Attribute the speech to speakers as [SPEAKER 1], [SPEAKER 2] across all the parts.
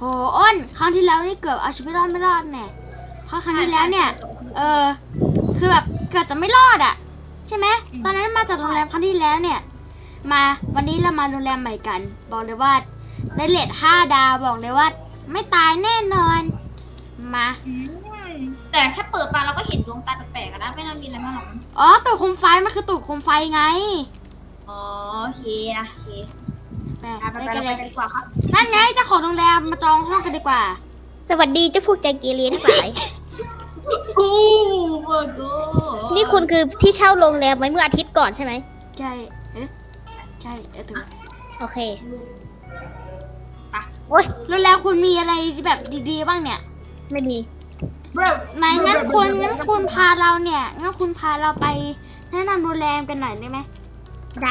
[SPEAKER 1] อ้นครั้งที่แล้วนี่เกือบเอาชีวิตรอดไม่รอดแน่เพราะครั้งที่แล้วเนี่ยคือแบบเกือบจะไม่รอดอ่ะใช่ไหมตอนนั้นมาจากโรงแรมครั้งที่แล้วเนี่ยมาวันนี้เรามาโรงแรมใหม่กันบอกเลยว่าได้เรท5 ดาวบอกเลยว่าไม่ตายแน่นอนมา
[SPEAKER 2] แต่แค่เปิดมาเราก็เห็นดวงตาแปลกๆนะไม่น่ามีอะไรมากหรอก
[SPEAKER 1] อ๋อตูดโคมไฟมันคือตูดโคมไฟไง
[SPEAKER 2] อ๋อโอเคโอเค
[SPEAKER 1] ไป
[SPEAKER 2] กันเลยดีกว่าครับ
[SPEAKER 1] นั่นไงเจ้าของโรงแรมมาจองห้องกันดีกว่า
[SPEAKER 3] สวัสดีเจ้าพวกใจเกเรทั้งหลาย
[SPEAKER 2] โอ้โห
[SPEAKER 3] นี่คุณคือที่เช่าโรงแรมไว้เมื่ออาทิตย์ก่อนใช่ไหม
[SPEAKER 1] ใช่ใช่ถูก
[SPEAKER 3] โอเค
[SPEAKER 1] โอ๊ยแล้วคุณมีอะไรแบบดีๆบ้างเนี่ย
[SPEAKER 3] ไม่มี
[SPEAKER 1] ไหนงั้นคุณพาเราเนี่ยงั้นคุณพาเราไปแนะนำโรงแรมกันหน่อยได้ไหม
[SPEAKER 3] ได้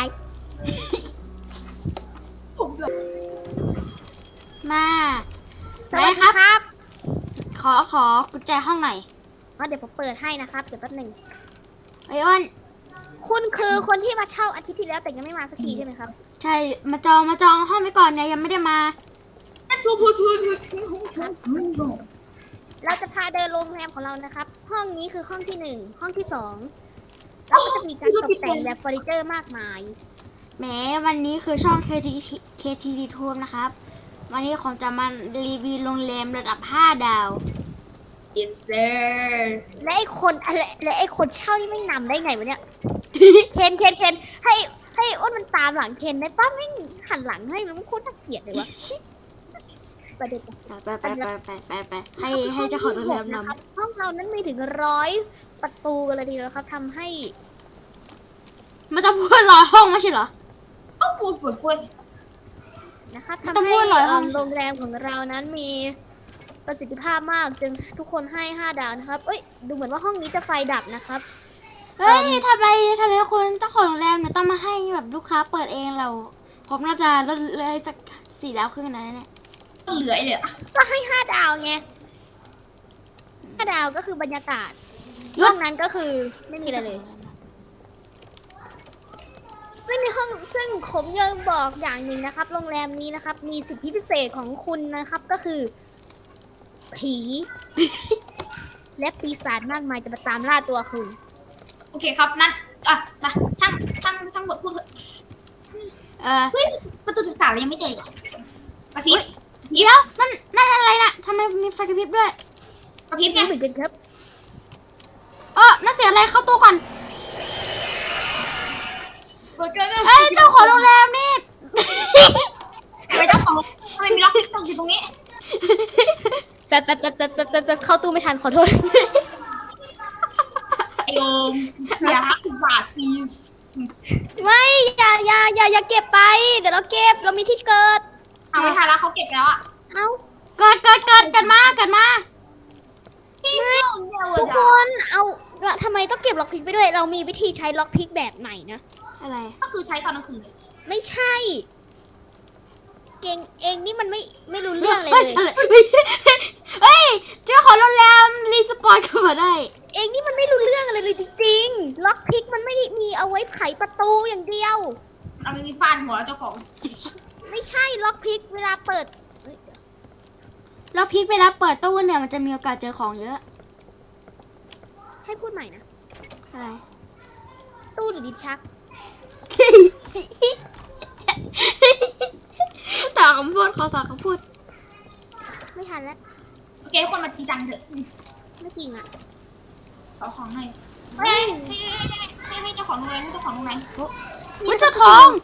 [SPEAKER 1] มา
[SPEAKER 3] สวัสดีครับ
[SPEAKER 1] ขอกุญแจห้องหน่อย
[SPEAKER 3] เดี๋ยวผมเปิดให้นะครับเดี๋ยวแป๊บหนึ่ง
[SPEAKER 1] ไอ้อ้น
[SPEAKER 3] คุณคือคนที่มาเช่าอาทิตย์ที่แล้วแต่ยังไม่มาสักทีใช่ไหมครับ
[SPEAKER 1] ใช่มาจองห้องไว้ก่อนเนี่ยยังไม่ได้มา
[SPEAKER 3] เราจะพาเดินโรงแรมของเรานะครับห้องนี้คือห้องที่1ห้องที่2แล้วก็จะมีการตกแต่งแบบเฟอร์นิเจอร์มากมาย
[SPEAKER 1] แหมวันนี้คือช่อง KTD Tour นะครับวันนี้ผมจะมารีวิวโรงแรมระดับ5 ดาว
[SPEAKER 2] Yes sir
[SPEAKER 3] และไอ้คนเช่านี่ไม่นำได้ไงวะเนี่ยเคนให้อ้นมันตามหลังเคนได้ป้าไม่หันหลังให้มันโคตรน่าเกลียดเลยวะประเด็น
[SPEAKER 1] ไปให้เจ้าของโรงแรมน
[SPEAKER 3] ำห้องเรานั้นมีถึง100 ประตูกันเลยทีเดียวครับทำให้
[SPEAKER 1] มันจะพูด100 ห้องไม่ใช่เหรอ
[SPEAKER 2] ฟูด
[SPEAKER 3] นะครับทำให้โรงแรมของเรานั้นมีประสิทธิภาพมากจึงทุกคนให้5 ดาวนะครับเอ้ยดูเหมือนว่าห้องนี้จะไฟดับนะครับ
[SPEAKER 1] เฮ้ยทำไมคุณเจ้าของโรงแรมเนี่ยต้องมาให้แบบลูกค้าเปิดเองเราผมน่าจะลดเลยสัก4 ดาวครึ่งนะเนี่ย
[SPEAKER 2] เหลือเลย
[SPEAKER 3] ก็ให้5 ดาวไง5 ดาวก็คือบรรยากาศห้องนั้นก็คือไม่มีอะไรเลยซึ่งผมยังบอกอย่างหนึ่งนะครับโรงแรมนี้นะครับมีสิทธิพิเศษของคุณนะครับก็คือผีและปีศาจมากมายจะมาตามล่าตัวคุณ
[SPEAKER 2] โอเคครับนั่นมาช่างบทพูดเถอะเฮ้ยประตูศึกษาเรายังไม่เจออีกกระพริบ
[SPEAKER 1] เดี๋ยวนั่นอะไรนะทำไมมีไฟกระพริบด้วย
[SPEAKER 2] กระพริบไง
[SPEAKER 3] เหมือนกันครับ
[SPEAKER 1] น่าเสียอะไรเข้าตู้ก่อน
[SPEAKER 2] เฮ้ย
[SPEAKER 1] เจ้าของโรงแรมนี่
[SPEAKER 2] ทำไมเจ้าของทำไมมีล็อกตกอยู่ตรงนี้
[SPEAKER 3] แต่เข้าตู้ไม่ทันขอโทษ
[SPEAKER 2] ไอโอมอย่าบาดพีส
[SPEAKER 3] ไม่อย่าเก็บไปเดี๋ยวเราเก็บเรามีที่เกิด
[SPEAKER 2] เอาไม่ทันแล้วเขาเก็บแล้ว
[SPEAKER 3] เอา
[SPEAKER 1] เกิดมา
[SPEAKER 3] ทุกคนเอาทำไมต้องเก็บล็อกพิกไปด้วยเรามีวิธีใช้ล็อกพิกแบบใหม่นะ
[SPEAKER 1] อะไร
[SPEAKER 2] ก็คือใช้ตอนกลางคืน
[SPEAKER 3] ไม่ใช่เก่งเองนี่มันไม่รู้เรื่องเลย
[SPEAKER 1] เฮ้ยเจ้าของโรงแรมรีสปอนเข้ามาได้
[SPEAKER 3] เองนี่มันไม่รู้เรื่องอะไรเลยจริงๆล็อกพิกมันไม่ได้มีเอาไว้ไขประตูอย่างเดียว
[SPEAKER 2] เราไม่มีฟาดหัวเจ้าของ
[SPEAKER 3] ไม่ใช่ล็อกพิกเวลาเปิด
[SPEAKER 1] ล็อกพิกเวลาเปิดตู้เนี่ยมันจะมีโอกาสเจอของเยอะ
[SPEAKER 3] ให้พูดใหม่นะ
[SPEAKER 1] อะไร
[SPEAKER 3] ตู้หรือดิชัก
[SPEAKER 1] ต่อคำพูด
[SPEAKER 3] ไม่ทันแล้ว
[SPEAKER 2] โอเคคนมาตีจังเถอะ
[SPEAKER 3] ไม่จริงอ่ะ
[SPEAKER 2] เอาของให้ให้เจ้าของโรงแรมเจ้าของโรงแรม
[SPEAKER 1] เจ้าทอง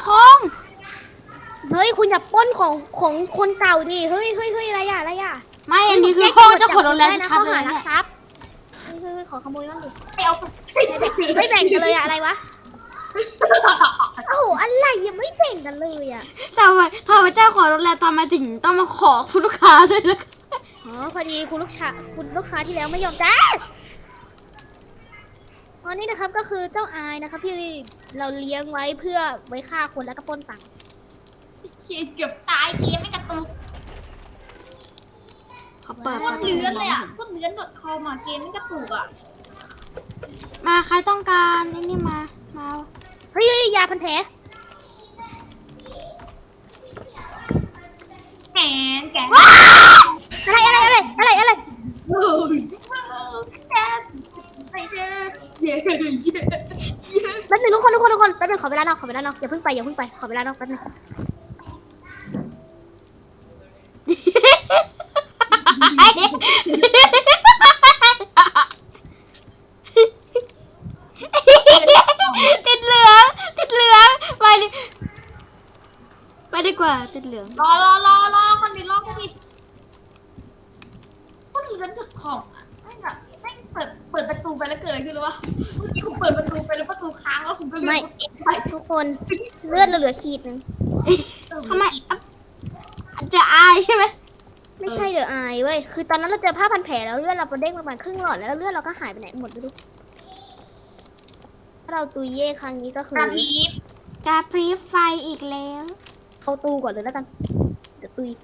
[SPEAKER 3] เฮ้ยคุณอย่าป้นของคนเก่าดิเฮ้ยอะไรอ่ะ
[SPEAKER 1] ไม่อันนี้คือห้องเจ้าของโรงแรม
[SPEAKER 3] นะเขาหารักทรัพย์ขอขโมยบ้างดิไม่แบ่งกันเลยอะไรวะโอ้โหอะไรยังไม่แบ่งกันเลยอ่ะ
[SPEAKER 1] ทำไมเจ้าของโรงแรมทำไมถึงต้องมาขอคุณลูกค้าด้วยล่ะ
[SPEAKER 3] พอดีคุณลูกค้าที่แล้วไม่ยอมจ่ายอันนี้นะครับก็คือเจ้าอายนะครับที่เราเลี้ยงไว้เพื่อไว้ฆ่าคนแล้วก็ปล้นตังค์
[SPEAKER 2] เกือบตายเกมไม่กระตุก
[SPEAKER 1] เขาเปิด
[SPEAKER 2] โคตรเลื้อนเลยโคตรเลื้อนคอมาเกมไม่กระตุก
[SPEAKER 1] มาใครต้องการนี่มา
[SPEAKER 3] เฮ้ยยาพันแผล
[SPEAKER 2] แก
[SPEAKER 3] ขอเวลานอกอย่าเพิ่งไปขอเวลานอกแป๊บนึง
[SPEAKER 1] ติดเหลืองไปดิไปดีกว่าติดเหลือง
[SPEAKER 2] รอคนนี้รอคนนี้ก็ดูฉันถึกของอ่ะไม่แบบไม่เปิดประตูไปแล้วเกิดอะไรขึ้นหรือวะเมื่อกี้ผมเปิดประตูไปแล้วประตูค้างแล้วผมก็เลยไป
[SPEAKER 3] ทุกคนเลือดเราเหลือขีดนึง
[SPEAKER 1] ทำไมจะอายใช่ไหม
[SPEAKER 3] ไม่ใช่เดอะอายเว้ยคือตอนนั้นเราเจอผ้าพันแผลแล้วเลือดเราเด้งประมาณครึ่งหลอดแล้วเลือดเราก็หายไปไหนหมดไม่รู้ถ้าเราตุยเย่ครั้งนี้ก็คื
[SPEAKER 2] ก
[SPEAKER 3] อ
[SPEAKER 2] ระพริบ
[SPEAKER 1] กาพริบไฟอีกแล้ว
[SPEAKER 3] เข้าตู้ก่อนเลยแล้วกันเดี๋ยวตุย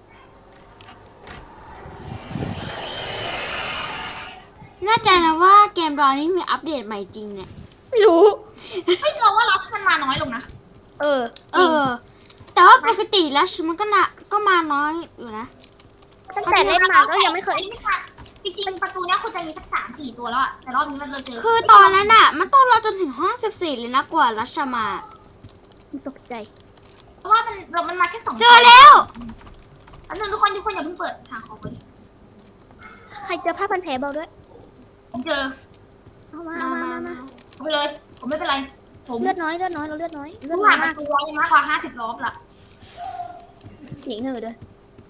[SPEAKER 1] น่าใจนะว่าเกมรอนี้มีอัปเดตใหม่จริงเนี่ย
[SPEAKER 3] ไม่รู้
[SPEAKER 2] ไม่เราว่ารัชมันมาน้อยลงนะ
[SPEAKER 3] จริง
[SPEAKER 1] แต่ว่าปกติแล้วมันก็มาน้อยอยู่นะ
[SPEAKER 3] ตั้งแต่เล่นมาก็ยังไม่เคย
[SPEAKER 2] จริงๆประตูเนี้ยคุณจะมีสัก3-4 ตัวแล้วอะแต่รอบนี้มันเราเจอ
[SPEAKER 1] คือตอนนั้นอ่ะ มันต้องรอจนถึงห้อง14เลยนะกว่ารัชมา
[SPEAKER 3] ตกใจ
[SPEAKER 2] เพราะว่ามันมาแค่2
[SPEAKER 1] เจอแล้ว
[SPEAKER 2] อันนึงทุกคนอย่าเพิ่งเปิดหาของไปดิ
[SPEAKER 3] ใครเจอผ้าพันแผลบอกด้วย
[SPEAKER 2] ผมเจอ
[SPEAKER 3] เอามา
[SPEAKER 2] เอาไปเลย ผมไม่เป็นไรผม
[SPEAKER 3] เลือดน้อยเราเลือดน้อย
[SPEAKER 2] ผู้ผ่านประตูร้อยมากกว่า50 รอบละ
[SPEAKER 3] เสียงเหนื่อยด้วย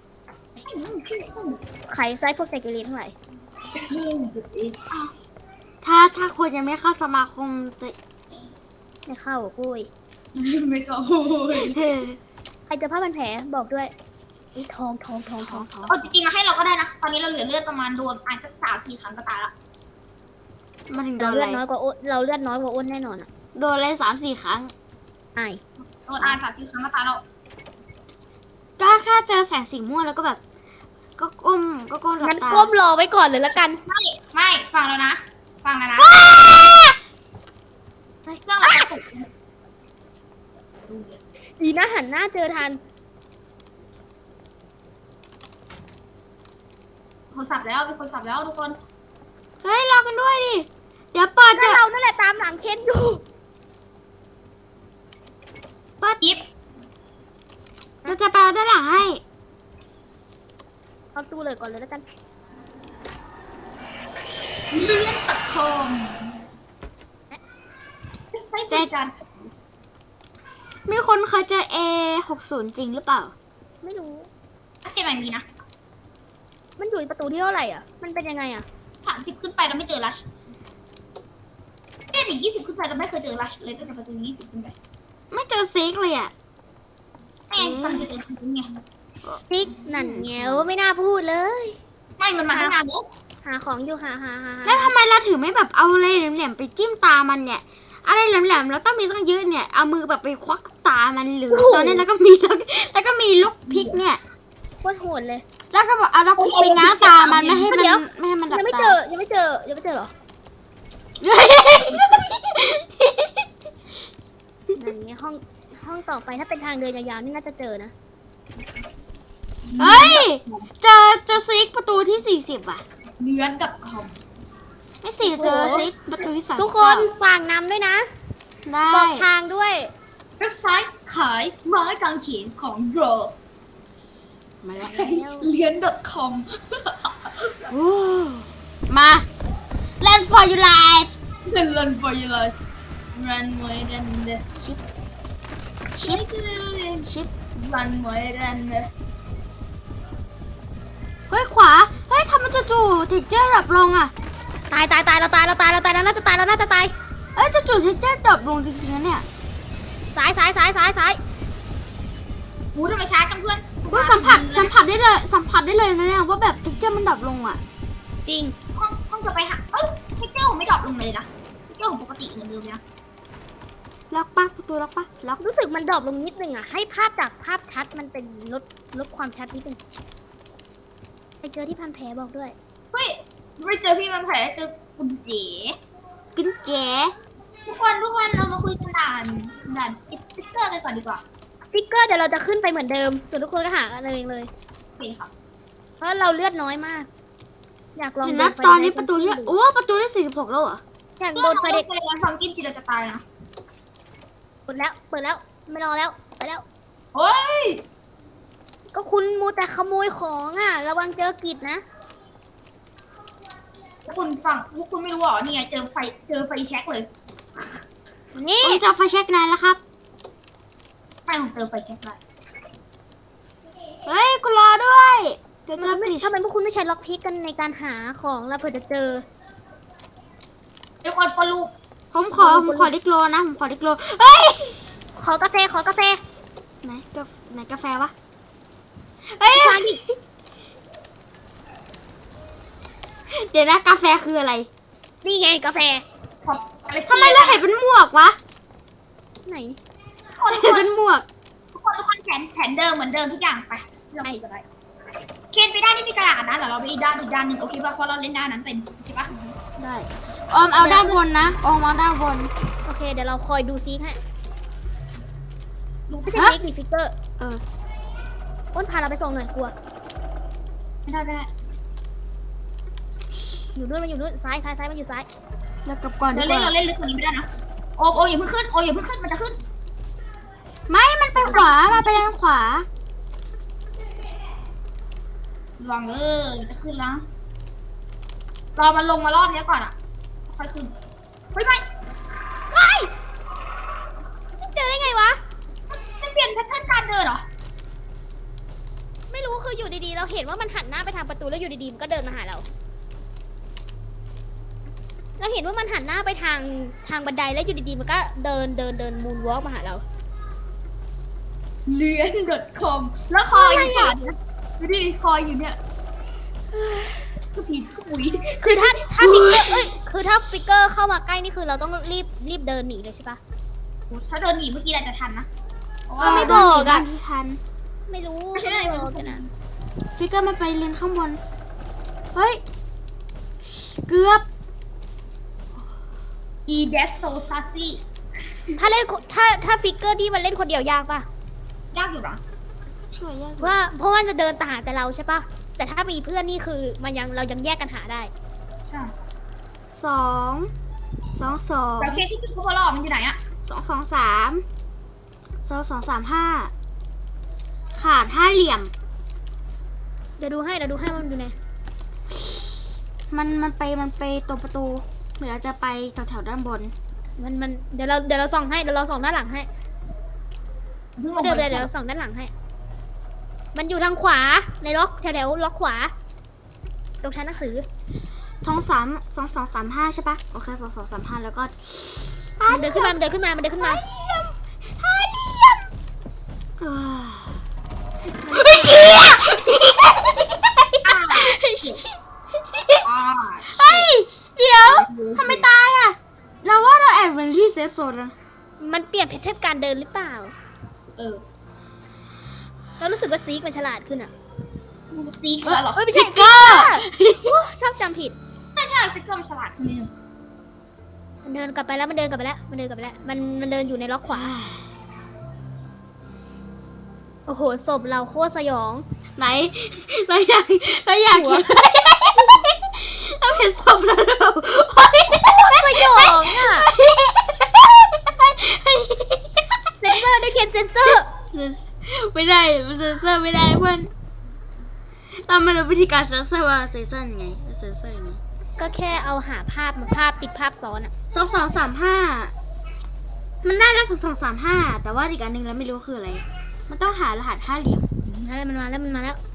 [SPEAKER 3] ใครไซส์พวกใจเกเรทั้งหลาย
[SPEAKER 1] ถ้าคนยังไม่เข้าสมาคมจะ
[SPEAKER 3] ไม่เข้ากุ้ย
[SPEAKER 2] ไม่เข้า
[SPEAKER 3] ใครเจอผ้าพันแผลบอกด้วยทอง
[SPEAKER 2] เอาจริงๆมาให้เราก็ได้นะ ตอนนี้เราเหลือเลือดประมาณโดนอ่านสัก3-4 ครั้งก็ตายละ
[SPEAKER 1] มาถึงโด
[SPEAKER 3] เรา
[SPEAKER 1] น
[SPEAKER 3] เลื
[SPEAKER 1] อะ
[SPEAKER 3] อด
[SPEAKER 1] ไร
[SPEAKER 3] น้อยกว่าอ้นเราเลือดน้อยกว่าอ้นแน่นอนอ่ะ
[SPEAKER 1] โดนอะไร3-4 ครั้ง
[SPEAKER 3] อาย
[SPEAKER 2] โดนอ่าน3-4 ครั้งก็ตายแล้ว
[SPEAKER 1] ก็แค่เจอแสงสีม่วงแล้วก็แบบ ก็ก้มหลับ
[SPEAKER 3] งั้น
[SPEAKER 1] ตา
[SPEAKER 3] ก้มรอไว้ก่อนเลยละกัน
[SPEAKER 2] ไม่ฟังแล้วนะเครื่องเราตก
[SPEAKER 3] ดีนะหันหน้าเจอทัน
[SPEAKER 2] คนสับแล้วมีคนสับแล้วทุกคน
[SPEAKER 1] เฮ้ยรอกันด้วยดิ เดี๋ยวเปิด
[SPEAKER 3] ก็เรานั่นแหละตามหลังเคนอยู่
[SPEAKER 2] ยิบ
[SPEAKER 1] เราจะไปเอาด้านหลังให้
[SPEAKER 3] เอาตู้เลยก่อนเลยละกัน
[SPEAKER 2] เลื่อนตัดคอมใช้เป็นการ
[SPEAKER 1] มีคนเคยเจอ A60 จริงหรือเปล่า
[SPEAKER 3] ไม่รู้
[SPEAKER 2] ถ้าเกมแบบนี้นะ
[SPEAKER 3] มันอยู่ประตูที่เท่าไหร่อ่ะ มันเป็นยังไงอ่ะ
[SPEAKER 2] 30 ขึ้นไปเราไม่เจอรัชเกมอีก20 ขึ้นไปเราไม่เคยเจอรัชเลยตั้งแต่ประตู20 ขึ้นไป
[SPEAKER 1] ไม่เจอซิกเลยอ่ะ
[SPEAKER 2] แม่งตอนเจอคนไง
[SPEAKER 3] ติ๊กนั่นแงวไม่น่าพูดเลย
[SPEAKER 2] ไม่มันมาตั้งนานแล้ว
[SPEAKER 3] หาของอยู่หา
[SPEAKER 1] แล้วทำไมเราถึงไม่แบบเอาอะไรแหลมๆไปจิ้มตามันเนี่ย อะไรแหลมๆแล้วต้องมีตั้งเยอะเนี่ย เอามือแบบไปควักตามันหรือตอนนี้แล้วก็มีลูกพริกเนี่ย
[SPEAKER 3] โคตรโหดเลย
[SPEAKER 1] แล้วก็แบบเอาลูกพริกไปง้างตามันไม่ให้มัน
[SPEAKER 3] เดี๋ยว
[SPEAKER 1] ไม่ให้มันดับ
[SPEAKER 3] ยังไม่
[SPEAKER 1] ตา
[SPEAKER 3] เจอเหรอ นั่นไงห้องต่อไปถ้าเป็นทางเดินยาวๆนี่น่าจะเจอนะ
[SPEAKER 1] เฮ้ย เจอซิกประตูที่40อ่ะ
[SPEAKER 2] เลื่อนกับคอม
[SPEAKER 1] ไม่สิเจอซิกประตูที่39
[SPEAKER 3] ทุกคนฝากนำด้วยนะ
[SPEAKER 1] ได้
[SPEAKER 3] บอกทางด้วย
[SPEAKER 2] เว็บไซต์ขายไม้กางเขนของโร
[SPEAKER 1] มาแล้ว
[SPEAKER 2] เลื่อน .com
[SPEAKER 1] โอ้มา Run for your life
[SPEAKER 2] Run for your life Run more than the
[SPEAKER 1] ชิป
[SPEAKER 2] Run more than the
[SPEAKER 1] เฮ้ยขวา เฮ้ยทำไมจู่ๆเทคเจอร์ดรอปลงอ่ะ
[SPEAKER 3] ตายเราน่าจะตาย
[SPEAKER 1] เอ้ยจู่ๆเทคเจอร์ดรอปลงจริงๆนะเนี่ย
[SPEAKER 3] ซ้าย
[SPEAKER 2] หูทำไมช้าจังเพื่อน
[SPEAKER 1] ว่าสัมผัสได้เลยนะเนี่ยว่าแบบเทคเจอร์มันดรอปลงอ่ะ
[SPEAKER 3] จริง
[SPEAKER 2] ต้องจะไปหาเทคเจอร์ผมไม่ดรอปลงเลยนะเทคเจอร์ผมปกติเหมือนเดิมนะ
[SPEAKER 1] ล็อกปะประตูล็อกปะล็อก
[SPEAKER 3] รู้สึกมันดรอปลงนิดนึงอ่ะ ให้ภาพจากภาพชัดมันเป็นลดความชัดนิดนึงไปเจอที่พันแผลบอกด้วย
[SPEAKER 2] เฮ้ยไม่เจอพี่มันแผลเจอคุณเจ๋
[SPEAKER 1] กินแก
[SPEAKER 2] ทุกคนเรามาคุยกันด่านสติ๊กเกอร์กันก่อนดีกว่า
[SPEAKER 3] ฟิกเกอร์เดี๋ยวเราจะขึ้นไปเหมือนเดิมส่วนทุกคนก็หากันเองเลย
[SPEAKER 2] โอเคครับ
[SPEAKER 3] เพราะเราเลือดน้อยมาก อยากลอง
[SPEAKER 1] เห็น
[SPEAKER 3] โด
[SPEAKER 1] นะ
[SPEAKER 3] นไฟ
[SPEAKER 1] ตอน
[SPEAKER 3] เด
[SPEAKER 1] นี้
[SPEAKER 3] ย์
[SPEAKER 1] ประตูที่
[SPEAKER 3] ดู
[SPEAKER 1] โอ้ประตูที่46แล้วเหรอ
[SPEAKER 3] อยาก
[SPEAKER 2] โด
[SPEAKER 3] โด
[SPEAKER 2] น
[SPEAKER 3] น
[SPEAKER 2] ไฟ
[SPEAKER 3] ไฟ
[SPEAKER 2] เด็
[SPEAKER 3] เด
[SPEAKER 2] ก
[SPEAKER 3] ย์
[SPEAKER 2] ฟังกินทีเราจะตายนะ
[SPEAKER 3] ปิดแล้วไม่รอแล้วไปแล้ว
[SPEAKER 2] เฮ้ย
[SPEAKER 3] ก็คุณมูแต่ขโมยของอ่ะ ระวังเจอกิจนะ
[SPEAKER 2] พวกคุณไม่รู้เหรอนี่ไงเจอไฟแช็กเลย
[SPEAKER 3] นี่
[SPEAKER 1] ผมจะไฟแช็กนายแล้วครับ
[SPEAKER 2] ไม่ผมเจอไฟแช็กเลย
[SPEAKER 1] เฮ้ยกูรอด้วยเดี๋ยวเจอ
[SPEAKER 3] ทำไมพวกคุณไม่ใช้ล็อกพิกกันในการหาของแล้วเผื่อจะเจอ
[SPEAKER 2] ไอ้คนปลูก
[SPEAKER 1] ผมขอดิกโลนะผมขอดิกโลเฮ้ย
[SPEAKER 3] ขอกาแฟ
[SPEAKER 1] ไหนกาแฟวะเฮ้ย
[SPEAKER 3] ฟังดิ
[SPEAKER 1] เดี๋ยวนะกาแฟคืออะไร
[SPEAKER 3] นี่ไงกาแฟ
[SPEAKER 1] ทำไมเราเห็นเป็นหมวกวะ
[SPEAKER 3] ไหน
[SPEAKER 1] เห็นเป็นหมวก
[SPEAKER 2] ทุกคนแผนเดิมเหมือนเดิมทุกอย่างไปเราไปกันเลยเคนไปด้านที่มีกระดาษนะเดี๋ยวเราไปอีกด้านหนึ่งโอเคป่ะเพราะเราเล่นด้านนั้นเป็นโอเคป่ะ
[SPEAKER 1] ได้ออมเอาด้านบนนะออมเอาด้านบน
[SPEAKER 3] โอเค เดี๋ยวเราคอยดูซิกให้
[SPEAKER 2] รู้
[SPEAKER 3] ไม่ใช่
[SPEAKER 1] ฮะ
[SPEAKER 3] ฟิกหรือฟิกเกอร์
[SPEAKER 1] เออ
[SPEAKER 3] อ้นพาเราไปส่งหน่อยกลัว
[SPEAKER 2] ไม่ได้
[SPEAKER 3] อยู่นู่นมันอยู่นู่นซ้ายมันอยู่ซ้าย
[SPEAKER 1] แล้วกลับก่อนดี
[SPEAKER 2] เรา
[SPEAKER 1] ก
[SPEAKER 2] เล่น
[SPEAKER 1] ว่า
[SPEAKER 2] ลึกกว่านี้ไม่ได้นะโออย่าเพิ่งขึ้นมันจะขึ้น
[SPEAKER 1] ไม่มันไปขวามาไปทางขวา
[SPEAKER 2] ลองจะขึ้นแล้วรอมันลงมารอบนี้ก่อนอ่ะค่อยขึ้นเฮ้ยไม่
[SPEAKER 3] เจอได้ไงวะ
[SPEAKER 2] ไม่เปลี่ยนแพทเทิร์นการเดินเหรอ
[SPEAKER 3] ไม่รู้คืออยู่ดีๆ เราเห็นว่ามันหันหน้าไปทางประตูแล้วอยู่ดีๆ มันก็เดินมาหาเรา เราเห็นว่ามันหันหน้าไปทางบันไดแล้วอยู่ดีๆ มันก็เดินมูนวอล์กมาหาเรา
[SPEAKER 2] เลียน .com แล้วคอยอยู่ขาดนะดูดิคอยอยู่เนี่ยก็ผีก็ปุ๋ย
[SPEAKER 3] คือถ้าฟิกเกอร์คือถ้าฟิกเกอร์เข้ามาใกล้นี่คือเราต้องรีบเดินหนีเลยใช่ปะ
[SPEAKER 2] ถ้าเดินหนีเมื่อกี้อาจจะทันนะเพราะ
[SPEAKER 3] ก็
[SPEAKER 2] ว่า
[SPEAKER 3] ไม่บอกอะ
[SPEAKER 1] ที่ทัน
[SPEAKER 3] ไม่รู้
[SPEAKER 2] ไม่ใช่
[SPEAKER 3] ไม่บอกกันนะ
[SPEAKER 1] ฟิกเกอร์มันไปเรียนข้างบนเฮ้ยเกือบ
[SPEAKER 2] อีเดสโซซัสซี่
[SPEAKER 3] ถ้าเล่นถ้าฟิกเกอร์ที่มันเล่นคนเดียวยากปะ
[SPEAKER 2] ยากอยู่เหรอ
[SPEAKER 1] ช่วยยาก
[SPEAKER 3] ว่าเพราะว่าจะเดินตามหาแต่เราใช่ปะแต่ถ้ามีเพื่อนนี่คือเรายังแยกกันหาได้
[SPEAKER 2] ใช่
[SPEAKER 1] สองสอง
[SPEAKER 2] แล้วเคสที่คือเขาบอกมันอยู่ไหนอะ
[SPEAKER 1] สามห้าขาดห้าเหลี่ยม
[SPEAKER 3] เดี๋ยวดูให้ว่ามันอยู่ไหน
[SPEAKER 1] มันไปตรงประตูเดี๋ยวจะไปแถวด้านบน
[SPEAKER 3] มันเดี๋ยวเราส่องให้เดี๋ยวเราส่องด้านหลังให้
[SPEAKER 2] เพิ่งล
[SPEAKER 3] ไม่
[SPEAKER 2] ง
[SPEAKER 3] เดิน
[SPEAKER 2] ไป
[SPEAKER 3] เลยเดี๋ยวเราส่องด้านหลังให้ มันอยู่ทางขวาในล็อกแถวล็อกขวา ตรงชั้นหนังสือ
[SPEAKER 1] สองสามห้าใช่ปะโอเค2 2 3 5แล้วก็
[SPEAKER 3] มันเดินขึ้นมา
[SPEAKER 1] ห้าเหลี่ยมเออ
[SPEAKER 3] มัน
[SPEAKER 1] เฮีย
[SPEAKER 2] อ่า
[SPEAKER 1] เฮ้ยเดี๋ยวทำไมตายอ่ะเราว่าเราแอบเป็นที่เซฟโซนแล้ว
[SPEAKER 3] มันเปลี่ยนแพทเทิร์นการเดินหรือเปล่า
[SPEAKER 2] เออ
[SPEAKER 3] เรารู้สึกว่าซีกมันฉลาดขึ้นอ่ะ
[SPEAKER 2] ซีคืออะไรหรอ
[SPEAKER 3] เอ้ยไม่ใช่
[SPEAKER 1] ฟิกเกอร์
[SPEAKER 3] โอ้ชอบจำผิด
[SPEAKER 2] ใช่ฟิกเกอร์มันฉลาดขึ้นนิดนึง
[SPEAKER 3] มันเดินกลับไปแล้วมันเดินอยู่ในล็อกขวา โอ้โหศพเราโคตรสยอง
[SPEAKER 1] ไหนเราอยากเห็นเราเห็นศพแล้วเราเฮ้ย
[SPEAKER 3] สยองอ่ะ เซนเซอร์ด้วยเคนเซนเซอร์
[SPEAKER 1] ไม่ได้มันเซนเซอร์ไม่ได้เพื่อนเราไม่รู้วิธีการเซนเซอร์ว่าเซนเซอร์ยังไงเซนเซอร์ยังไง
[SPEAKER 3] ก็แค่เอาหาภาพติดภาพซ้อนอ่ะ
[SPEAKER 1] 2 2 3 5มันได้แล้ว2 2 3 5แต่ว่าอีกอันหนึ่งเราไม่รู้คืออะไรมันต้องหารหัสห้าเหลี่ยม
[SPEAKER 3] มันมาแล้ว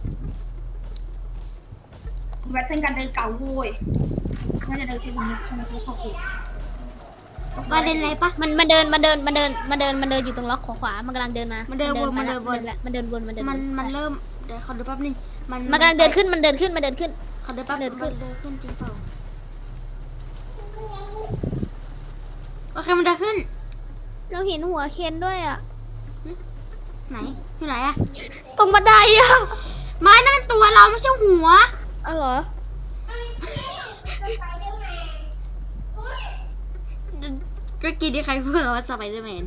[SPEAKER 2] แพทเทิร์นการเดินเก่าโว้ยน่าจะเดินเช่นนี้ใช่ไหมเขาถูก
[SPEAKER 1] ประเด็นอะไรปะ
[SPEAKER 3] มันเดินอยู่ตรงล็อกขวา มันกำลังเดินมา
[SPEAKER 1] มันเดินวน
[SPEAKER 3] มันเดินวน
[SPEAKER 1] มันเริ่มเดี๋ยวขอดูแป๊บนึง
[SPEAKER 3] มันกำลังเดินขึ้น
[SPEAKER 1] ขอดูแป๊บ
[SPEAKER 3] เดินขึ้น
[SPEAKER 1] มันเดินขึ้นจริงเปล่าโอเคมันเดินขึ้น
[SPEAKER 3] เราเห็นหัวเคนด้วยอ่ะ
[SPEAKER 1] ไหนอยู่ไหนอะ
[SPEAKER 3] ตรงบันไดอ่ะ
[SPEAKER 1] ไม้นั่นมันตัวเราไม่ใช่หัว
[SPEAKER 3] อ๋อเหรอ
[SPEAKER 1] ก็กินที่ใครพูดว่าสไปเดอร์แมน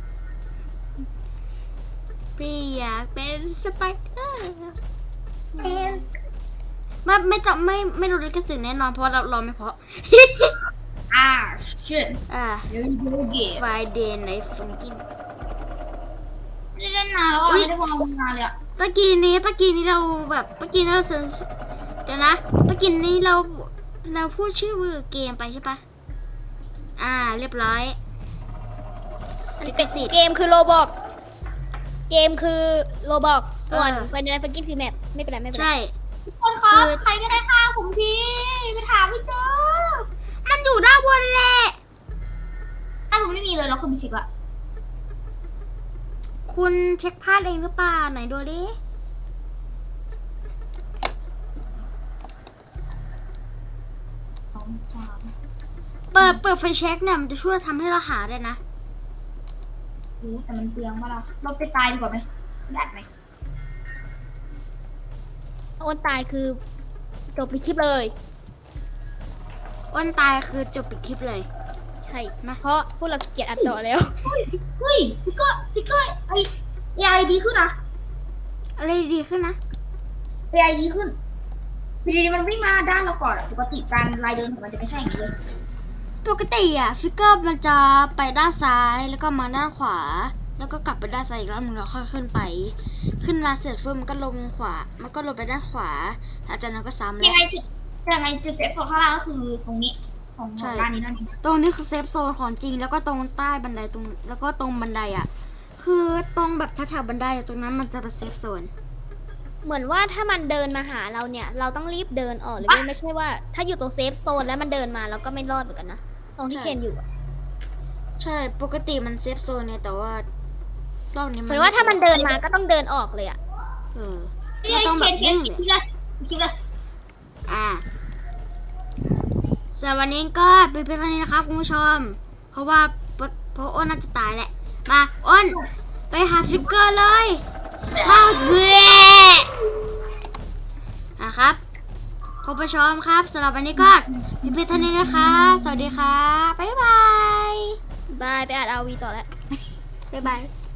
[SPEAKER 1] พี่อยากเป็นสไปเดอร์ ไม่รู้ลิขสิทธิ์แน่นอนเพราะว่าเราไม่เพราะ
[SPEAKER 2] อ่า shit
[SPEAKER 1] อ่า
[SPEAKER 2] เดี๋ยวดูเกม
[SPEAKER 1] Friday Night Funkin'
[SPEAKER 2] ไม่ได้เล่นนานแล้วอ่ะ
[SPEAKER 1] อุ๊ย
[SPEAKER 2] ไม่ได้วางนานเลยอ่ะ
[SPEAKER 1] เมื่อกี้นี้เราแบบเมื่อกี้เราเดี๋ยวนะเมื่อกี้นี้เราพูดชื่อเกมไปใช่ปะเรียบร้อย ลิขสิทธิ์
[SPEAKER 3] เกมคือโรบอกเกมคือโรบอกส่วน
[SPEAKER 1] เออ
[SPEAKER 3] ไฟนอลฟังกิ้งคือแมปไม่เป็นไรไม่เป็นไร
[SPEAKER 1] ใช่
[SPEAKER 2] ทุกคนครับ
[SPEAKER 1] คือ
[SPEAKER 2] ใครก็ได้ฆ่าผมทีไปถามไม่เจอ
[SPEAKER 1] มันอยู่ด้านบนแหละ
[SPEAKER 2] ผมไม่มีเลยแล้วคุณไปเช็คละ
[SPEAKER 1] คุณเช็คพลาดเองหรือเปล่าไหนดูดิ เปิดไฟเช็คเนี่ยมันจะช่วยทำให้เราหาได้นะ
[SPEAKER 2] แต่มันเปลืองมากเราไปตายดีกว่าไหมได้ไหม
[SPEAKER 3] โอนตายคือจบในคลิปเลย
[SPEAKER 1] อ้นตายคือจบปิดคลิปเลย
[SPEAKER 3] ใช่
[SPEAKER 1] นะ
[SPEAKER 3] เพราะพวกเราขี้เกียจอัดต่อแล้ว
[SPEAKER 2] เฮ้ยฟิกเกอร์ไอดีขึ้นนะ
[SPEAKER 1] อะไรดีขึ้นนะ
[SPEAKER 2] AI ดีขึ้นดีมันวิ่งมาด้านเราก่อนปกติการลายเดินของมันจะไม่ใช่อย่างนี้เลย
[SPEAKER 1] ปกติอะฟิกเกอร์มันจะไปด้านซ้ายแล้วก็มาด้านขวา แล้วก็กลับไปด้านซ้ายอีกรอบนึงแล้วค่อยขึ้นไป ขึ้นมาเสร็จปุ๊บมันก็ลงขวา มันก็ลงไปด้านขวาหลังจากนั้นก็ซ้ำแล้ว
[SPEAKER 2] ยังไงจุดเซฟโซนข้างล่างก็คือตรงนี้ของด้านนี้นั่นเอง
[SPEAKER 1] ตรงนี้คือเซฟโซนของจริงแล้วก็ตรงใต้บันไดตรงแล้วก็ตรงบันไดอ่ะ คือตรงแบบแถวๆบันไดอะตรงนั้นมันจะเป็นเซฟโซน
[SPEAKER 3] เหมือนว่าถ้ามันเดินมาหาเราเนี่ย เราต้องรีบเดินออกหรือไม่ใช่ว่า ถ้าอยู่ตรงเซฟโซนแล้วมันเดินมาเราก็ไม่รอดเหมือนกันนะตรงที่
[SPEAKER 1] ใช่
[SPEAKER 3] เคนอยู่อะ
[SPEAKER 1] ใช่ปกติมันเซฟโซนเนี่ยแต่ว่ารอบนี้
[SPEAKER 3] เหมือนว่าถ้ามันเดินมาก็ต้องเดินออกเลยอะ
[SPEAKER 1] เออ
[SPEAKER 2] เฮ้
[SPEAKER 1] เรา
[SPEAKER 2] ย
[SPEAKER 1] ต้องแบบ
[SPEAKER 2] เคน
[SPEAKER 1] นิ่ง
[SPEAKER 2] คิดเลยคิดเลย
[SPEAKER 1] สำหรับวันนี้ก็เป็นเพียงเท่านี้นะครับคุณผู้ชม เพราะอ้นน่าจะตายแหละ มาอ้นไปหาฟิกเกอร์เลยเข้าเสืครับคุณผู้ชมครับสำหรับวันนี้ก็เป็นเพียงเท่านี้นะคะสวัสดีค่ะบ๊ายบาย
[SPEAKER 3] บายไปอัดเอาวีต่อแล้ว
[SPEAKER 1] บ๊ายบาย